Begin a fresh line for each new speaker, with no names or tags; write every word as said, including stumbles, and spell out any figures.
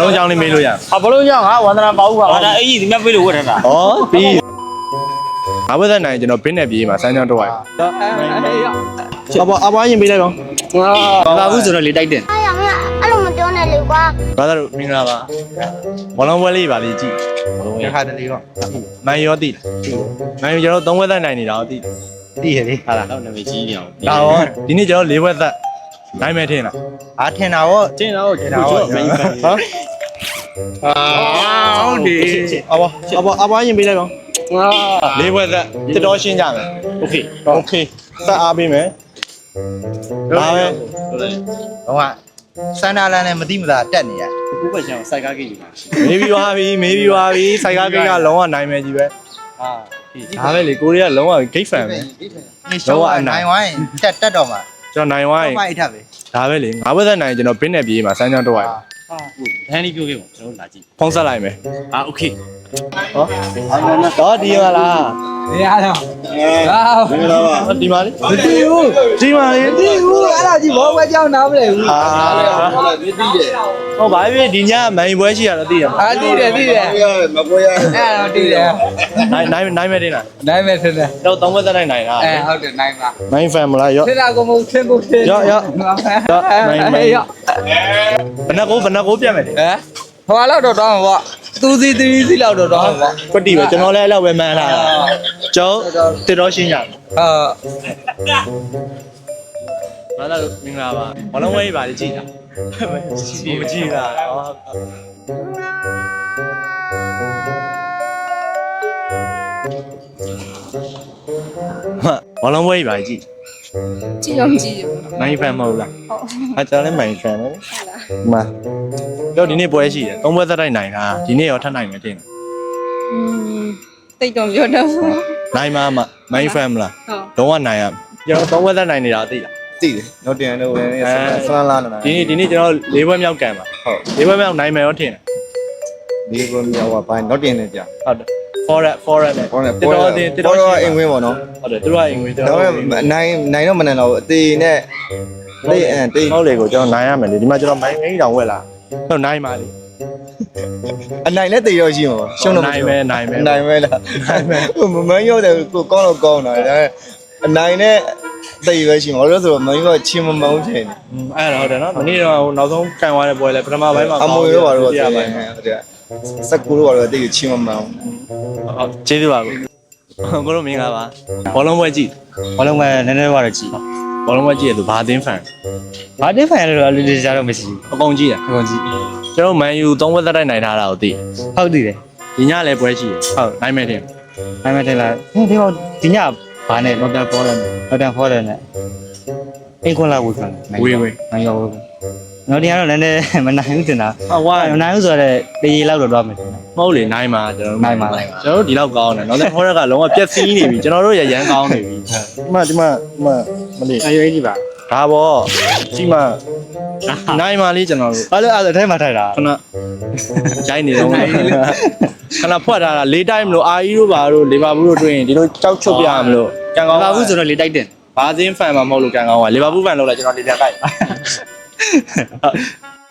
လုံးကြောင်းလေးမေးလို့ရအောင်
ဟာဘလုံးကြောင့်ဟာဝန္ဒနာပါဦးပါ
ဟာဒါအဲ့ကြီးဒီမြတ်ပေးလို့ဝတ်ထားတာ
ဩပြီးငါဘက်သက်နိုင်ကျွန်တော်ဘင်းနဲ့ပြေးမှာစမ်းကြောင်းတော့ရ
အဘအဘရင်ပေးလိုက်တော့
ဘာဘူးဆိုတော့လေတိုက်တယ်
哎呀妈呀，俺那么屌呢，刘瓜。
ဘာသာလို့မင်္ဂလာပါဘောလုံးပွဲလေးပါလေးကြည့်
ရခါတလေတော့
နိုင်ရောတိနိုင်ကျွန်တော်သုံးဘက်သက်နိုင်နေတာကိုတိ
တည်ရလေ
ဟာလား
တော့နာမည်ကြီးနေအောင်
ဒါရောဒီနေ့ကျွန်တော်လေးဘက်သက်နိုင်မယ်ထင်လား
အားထင်တာရော
ကျင်းတော့
ထင်တာရော
မင်းပဲ
ဟာ
ဟုတ်တယ်
အဘအဘအဘရင်ပေးလိုက်တော့
လေးဘက်သက်တစ်တော်ရှင်းကြမယ်
โอเค
โอเคသက်အားပေးမယ်ဒါပဲ
ဟုတ်တယ်
ဟိုကစန္ဒာလန်နဲ့မတိမသာတက်နေရ
ခုပဲကျွန်တော်စိုက်ကားကြီးယူပါရှိ
မေးပြီးသွားပြီမေးပြီးသွားပြီစိုက်ကားကိတ်ကလုံးဝနိုင်မယ်ကြီးပဲ
ဟာ
ဒါပဲလေကိုရီးယားလုံးဝ gate fan ပဲ
ဒီရှောင်းကနိုင်ဝိုင်းတက်တက်တော့မှာ
ကျွန်တော်နိုင်ဝိုင်း
မိုက်ထပ်ပဲ
ဒါပဲလေငါးဘက်သက်နိုင်ကျွန်တော်ဘင်းနဲ့ပြေးမှာစမ်းကြောင်းတော့ရ
ဟာဒန်ဒီပြောခဲ့ပါကျွန်တော်လာကြည့်
ဖုံးဆက်လိုက်မယ်
ဟာโอเค
ဟောတော့ဒီမှာလား
ရရတော့ဟာ
မင်္ဂလာပါဒီမှာလေ
မတည်ဘူး
ဒီမှာလေ
မတည်ဘူးအဲ့ဒါကြီးဘောပွဲကြောင်းနားမလဲဘူး
အာဟောဘာဖြစ်ဒီညမိုင်ပွဲရှိရတော့သိရမှာ
အားတည်တယ်တည်တယ်မပွဲရအဲ့တော့တည်တယ်
နိုင်နိုင်နိုင်မယ်တင်လား
နိုင်မယ်ထင်တယ်
တော့သုံးဘက်သက်နိုင်နိုင်လား
အဲဟုတ်တယ်နိုင်ပါ
မိုင်ဖန်မလားရော့
ထင်တာကမဟုတ်ထင်ကိုထင်
ရော့ရော့
ရော့နိုင်မယ်ရော့
ဘယ်နှကိုဘယ်နှကိုပြတ်မယ်လေ
ဟမ်ဟိုလောက်တော့တောင်းပါသူစီသီးစီလောက်တော့တောင်းပါ
ကွတ်တီပဲကျွန်တော်လည်းအဲ့လောက်ပဲမှန်းလာတာကျောင်းတစ်တော်ရှင်းရမယ်
အာ
ဘာသာလို့မင်္ဂလာပါဘလုံးဝဲပါလေကြည့်တာမကြည့်လားဟာဘလုံးဝဲပါကြည့်
ကြည့်အောင်ကြည့်ရ
မိုင်းဖန်မဟုတ်လား
ဟုတ်
အကျွန်တော်လည်းမိုင်းဖန်ပဲ
ဟုတ်လား
မှာတော့ဒီနေ့ပွဲရှိတယ်သုံးပွဲသက်တိုက်နိုင်တာဒီနေ့ရောထပ်နိုင်မယ်တင်
อืมတိတ်တော့ပြောတော့ဟုတ်
နိုင်မှာမိုင်းဖန်မလား
ဟုတ်
လုံးဝနိုင်ရကျွန်တော်သုံးပွဲသက်နိုင်နေတာသိလား
တည်တယ်တော့တင်တော့လည်းဆန်းလာနေတာ
ဒီနေ့ဒီနေ့ကျွန်တော်၄ပွဲမြောက်ကန်ပါဟုတ်၄ပွဲမြောက်နိုင်မယ်ရောထင်တယ်
ဒီကောမြောက်ကပိုင်းတော့တင်နေကြ
ဟုတ်တယ် forward forward နဲ့
ဟောတယ်
တစ်တော်တင်တစ်တော်
တော့အင်ဝင်ပေါ့နော်
ဟုတ်တယ်သူတို့ကအင်္ဂလိပ်ကျွန်
တော့
တော်
နိုင်နိုင်တော့မနိုင်တော့အသေးနဲ့တိတ်အဲတိတ်
ဟုတ်လေကိုကျွန်တော်နိုင်ရမယ်လေဒီမှာကျွန်တော်မိုင်းအိမ်တောင်ဝက်လာဟုတ်နိုင်ပါလေ
အနိုင်နဲ့တိတ်တော့ရှိမှာရှုံးတော့
နိုင်မယ်နိုင်မယ်
နိုင်မယ်လားနိုင်မယ်မမန်းရောက်တယ်ကိုကောင်းတော့ကောင်းတာဒါအနိုင်နဲ့တိတ်ပဲရှိမှာလို့ဆိုတော့မင်းကချင်းမမောင်းချင်
အဲ့ဒါဟုတ်တယ်နော်မနေ့တော့နောက်ဆုံးကန်သွားတဲ့ပွဲလဲပထမပိုင်းမှာ
အမွေတော့ပါတော့
ပြ
တိ
ရ
တ်
ပါ
ပဲ
မယ်
ဟုတ်တယ်စကူတော့ပါတော့တိတ်ချင်းမမောင်း
ဟုတ်ကျေးဇူးပါကိုကိုတို့မင်္ဂလာပါဘောလုံးပွဲကြည့်
ဘာလုံးပဲနည်းနည်းတော့ကြည့်
ဘောလုံးပွဲကြည့်ရသူဘာအသင်းဖန်
ဘာတင်းဖိုင်ရတော့လူတွေကြတော့မရှိ
အကုန်ကြည့်ရ
ဘူးအကုန်ကြည့်
ကျွန်တော်မန်ယူသုံးဝက်သက်တိုက်နိုင်ထားတာကိုသိ
ဟုတ်တည်တယ်
ဒီညလည်းပွဲရှိရဟုတ်နိုင်မယ်တင်
နိုင်မယ်တင်လားဟင်းဒီတော့ဒီညဘာနဲ့
တော့တက်ပေါ်တယ်
တော့တန်ဖော်တယ်နဲ့အင်ကွန်လာဝေခံနိုင်ရောတော့ဒီကတော့လည်းလည်းမနိုင်ဘူးတင်တာ
ဟာဝါ
မနိုင်ဘူးဆိုတော့တေးလောက်တော့တော့မယ်
မဟုတ်လေနိုင်မှာကျွန်တော်
နိုင်ပါနိုင်ပါ
ကျွန်တော်တို့ဒီလောက်ကောင်းတယ်နောက်တဲ့ဟောရက်ကလုံးဝပြက်စီးနေပြီကျွန်တော်တို့ရရန်ကောင်းနေပြီဒီမှာဒီမှာဒီမှာမလေး
အရွေးကြီးပါ
ဒါပေါ့ဒီမှာနိုင်မှာလေးကျွန်တော်တို့
အဲ့လိုအဲ့လိုထဲမှာထိုက်တာ
ခဏဂျိုင်းနေတော့ခဏဖွက်ထားတာလေးတိုင်းမလို့အာအီတို့ဘာတို့လီဗာပူးတို့တွေ့ရင်ဒီလိုကြောက်ချုပ်ပြရမလို့ကန်ကောင်း
ဘာဘူးဆိုတော့လေတိုက်တယ်
ဘာသင်းဖန်မှာမဟုတ်လို့ကန်ကောင်းပါလီဗာပူးဖန်လောက်လာကျွန်တော်လေးပြန်ကြိုက်